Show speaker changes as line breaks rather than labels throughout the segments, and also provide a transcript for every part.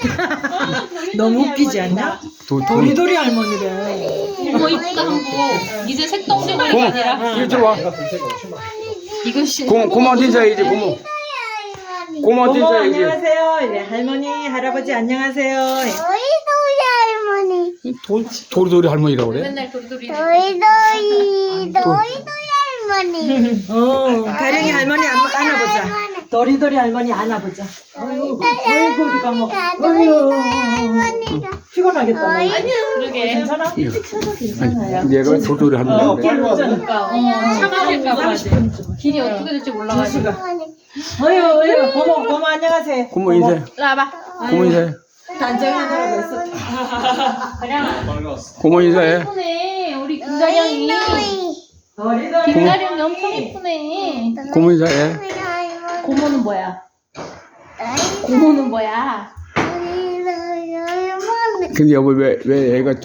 너무 웃기지 않냐? 도리도리 할머니래.
어머 이쁘다 한국. 이제 색동적으로 아니라.
이리 들어와.
이것이.
고모 인사해야지 고모. 고모
어머
인사해야지.
안녕하세요. 네, 할머니 할아버지 안녕하세요.
도리도리 할머니.
도리도리 할머니라고 그래?
맨날 도리도리.
도리도리 할머니.
가령이 할머니 안아보자. 도리도리 할머니 안아보자. 아이고 우리가 뭐
할머니가.
피곤하겠다. 너.
그러게.
괜찮아? 괜찮아요.
얘가 도리도리 할머니라고 그래?
참아질까봐 길이 어떻게 될지 몰라가지고.
어휴 고모 안녕하세요.
고모 인사해.
나와봐.
고모 인사해.
단정하느라고 있었다.
고모 인사해.
이쁘네. 우리 김가령이.
도리도리
김가령이 엄청 이쁘네.
고모 인사해.
고모는 뭐야? 고모는 뭐야?
근데 여보 왜 애가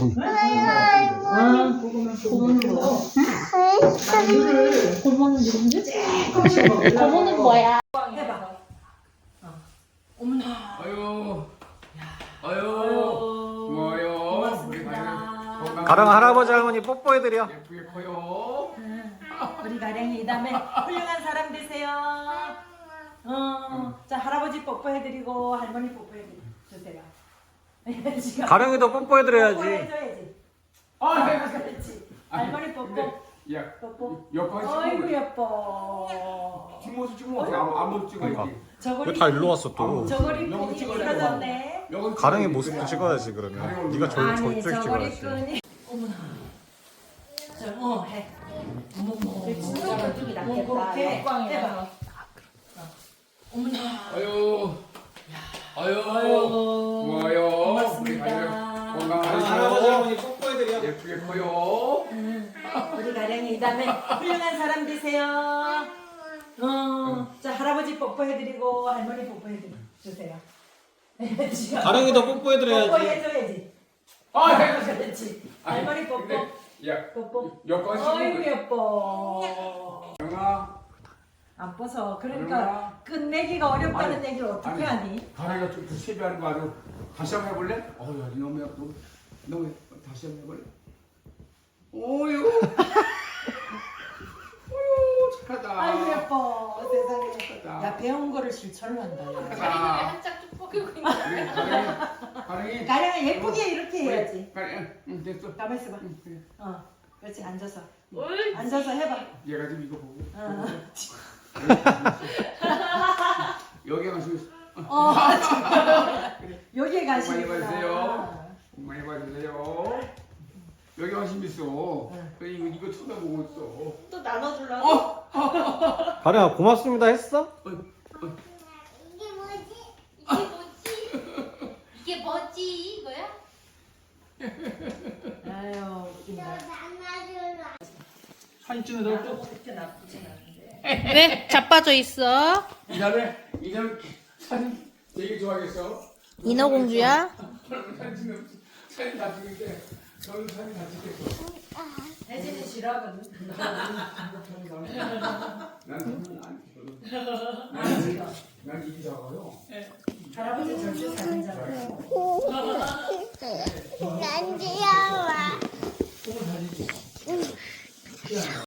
고모는 뭐야? 고모는 누군데? 고모는 뭐야?
아유 고마워요.
가령 할아버지 할머니 뽀뽀해드려.
예쁘게 커요.
우리 가령이 이 다음에 훌륭한 사람 되세요. 자 할아버지 뽀뽀해드리고 할머니 뽀뽀해주세요. 지금
가령이도 뽀뽀해드려야지.
뽀뽀해줘야지. 그렇지. 할머니 뽀뽀.
야
뽀뽀.
옆에
어이구 예뻐.
뒷모습 찍으면 어떻게 아무도 찍어야지.
저고리
왜 다 일로 왔어 또?
저고리
여기
끈이
찍어야
풀어졌네.
가령이 모습도 찍어야지 그러면. 네가
아니
저쪽
저고리
찍어야지.
끈이. 어머나. 해. 어머머. 쪽이 낫겠다.
역광이라서.
어머나.
아유 고마워요.
고맙습니다.
건강하세요.
할아버지 할머니 뽀뽀해드려.
예쁘게 커요.
우리 가령이 이 다음에 훌륭한 사람 되세요. 자 할아버지 뽀뽀해드리고 할머니 뽀뽀해주세요. 지금
가령이도 뽀뽀해드려야지.
뽀뽀해줘야지. 그렇지. 할머니 뽀뽀.
야
뽀뽀.
여권
어이구 예뻐.
영아
안 뻐서 그러니까 끝내기가 어렵다는 얘기를 어떻게 하니?
가랑이가 좀 세배하는 거 아주 다시 한번 해볼래? 어야 너무 다시 한번 해볼래? 오유 오유 착하다.
아이고 예뻐 세상에.
착하다.
야 배운 거를 실천을 한다.
자,
한짝 쭉 뻗기고 있는.
우리 가랑이
가령아 예쁘게 이렇게 해야지.
가랑이 응 됐어.
가만 있어봐.
응, 그래.
그렇지 앉아서.
옳지.
앉아서 해봐.
얘가 지금 이거 보고
어.
여기 가시고
여기에
많이
가시구나.
봐주세요. 많이 봐주세요. 여기 관심 있어. 이거 쳐다보고 있어.
또 나눠주려고.
가령아 고맙습니다 했어?
이게 뭐지?
이게 뭐지? 이게 뭐지? 이거야?
아유 웃긴다.
안아주라.
사진 찍어서 또
그렇게 나쁘진 않은데.
왜? 자빠져 있어?
이 다음에 사진 되게 좋아하겠어.
인어공주야?
사진 다 찍는데 너는 사진 다 찍겠어.
혜진이 싫어하거든.
난 사진 안 찍어. 난 입이 작아요.
할아버지 절대 사진 잘.
난 귀여워.